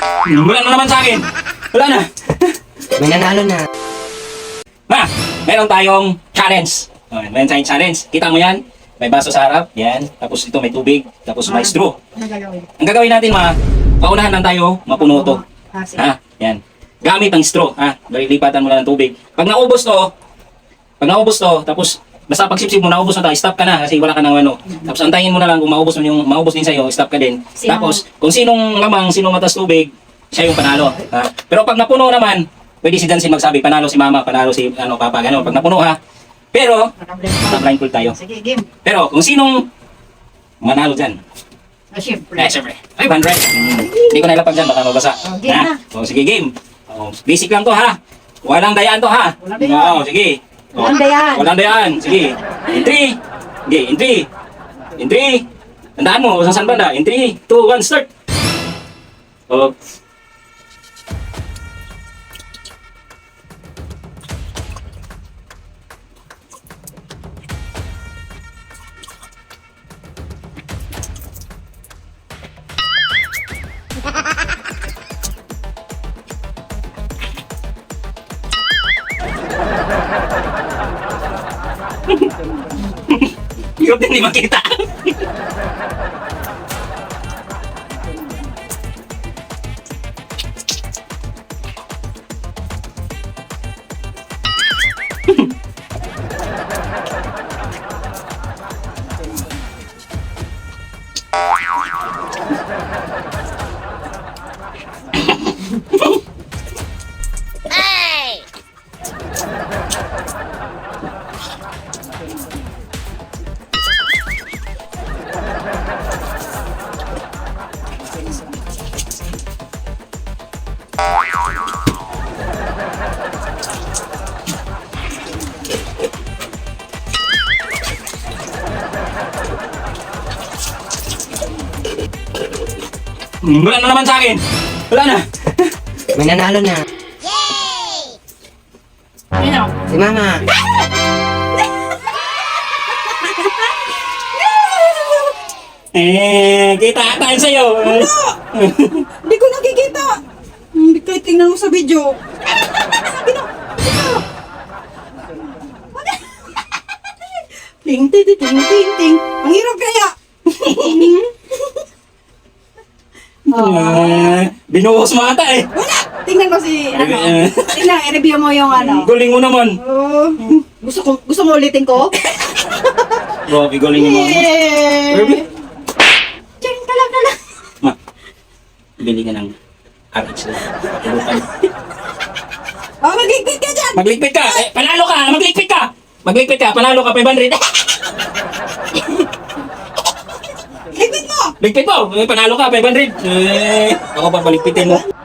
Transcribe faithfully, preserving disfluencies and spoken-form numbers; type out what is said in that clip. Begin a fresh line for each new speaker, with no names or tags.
Wala na naman sa akin. Wala na.
May nanalo na.
Ma, meron tayong challenge. Okay, meron tayong challenge. Kita mo yan? May baso sa harap. Yan. Tapos ito may tubig. Tapos may straw.
Ano gagawin?
Ang gagawin natin, ma, paunahan lang tayo mapuno to.
Ah, sige.
Ha? Yan. Gamit ang straw. Ha? Lipatan mo lang ng tubig. Pag naubos to, pag naubos to, tapos basta pag sipsip mo, naubos na tayo, stop ka na kasi wala ka ng ano. Tapos antayin mo na lang kung maubos mo yung maubos din sa'yo, stop ka din.
Sino?
Tapos kung sinong lamang, sinong matas tubig, siya yung panalo. Ha? Pero pag napuno naman, pwede si Jansen magsabi, panalo si mama, panalo si ano, papa, gano'n. Pag napuno ha. Pero, naka-blindfold tayo.
Sige, game.
Pero kung sinong manalo dyan,
Ah, syempre.
eh, syempre, five hundred. Hmm. Hindi ko nailapag dyan, baka mabasa.
Oh, game na.
O, sige, game. O, basic lang to ha. Walang dayaan to ha.
Walang dayaan.
O, sige. O,
Walang dayaan.
Walang dayaan. Sige. In three. Okay, in three. In three. Tandaan mo, sa saan banda? In three, two, one, start. O. Hirap din di makita. Hmm, Wala na naman sa akin. Wala na.
May nanalo na.
Sino?
Si Mama.
Eh, kita tayo sa'yo.
Hindi ko nakikita. Hindi ko tingnan mo sa video. Sabi na. Ting, ting, ting, ting, ting, ting. Ang hirap kaya.
Ah, binuhos mo ata eh.
Wala. Tingnan mo si, ano.
Eh,
Tingnan, i-review mo yung ano.
Galing mo naman.
Oh, gusto ko, gusto mo ulitin ko?
Grabe, galing mo. Grabe.
Yeah. Diyan ka lang ka lang.
Ma, bili ka ng R H lang. Tulukan.
Oh, magigpit ka dyan.
Magligpit ka! Eh, panalo ka! Magligpit ka! Magligpit ka! Panalo ka! five hundred!
Ligpit mo.
Ligpit mo! Eh, panalo ka! five hundred! Eh, ako pa paligpitin mo.